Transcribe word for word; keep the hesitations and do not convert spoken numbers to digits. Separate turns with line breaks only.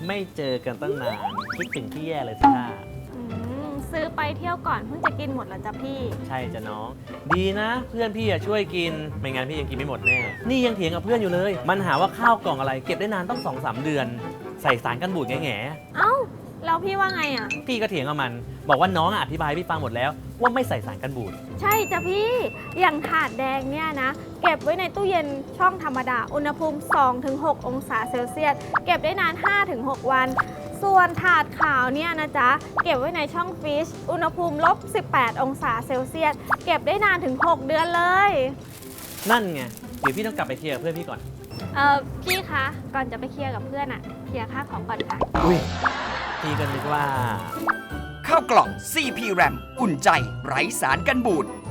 ไม่เจอกันตั้งนานคิดถึงพี่แย่เลยสิท่า
อืมซื้อไปเที่ยวก่อนเพิ่งจะกินหมดแล้วจ้ะพี่
ใช่จ้ะน้อง ดีนะเพื่อนพี่อะช่วยกินไม่งั้นพี่ยังกินไม่หมดแน่นี่ยังเถียงกับเพื่อนอยู่เลย มันหาว่าข้าวกล่องอะไรเก็บได้นานต้องสองสามเดือน ใส่สารกันบูดแง่
เอ้าแล้วพี่ว่าไงอ่ะ
ๆพี่ก็เถียงกับมัน บอกว่าน้องอะอธิบายให้พี่ฟังหมดแล้ว ว่าไม่ใส่สารกันบูด
ใช่จ้ะพี่ อย่างถาดแดงเนี่ยนะ เก็บไว้ในตู้เย็นช่องธรรมดา อุณหภูมิ สองถึงหก องศาเซลเซียส เก็บได้นาน ห้าถึงหก วัน ส่วนถาดขาวเนี่ยนะจ๊ะ เก็บไว้ในช่องฟรีซ อุณหภูมิลบ สิบแปด องศาเซลเซียส เก็บได้นานถึง หก เดือนเลย
นั่นไง เดี๋ยวพี่ต้องกลับไปเคลียร์กับเพื่อนพี่ก่อน
เออพี่คะ ก่อนจะไปเคลียร์กับเพื่อนอะเคลียร์ค่าของก่อนค่ะ
อุ้ยพี่ก็นึกว่า
ข้าวกล่อง ซี พี แรม อุ่นใจ ไร้สารกันบูด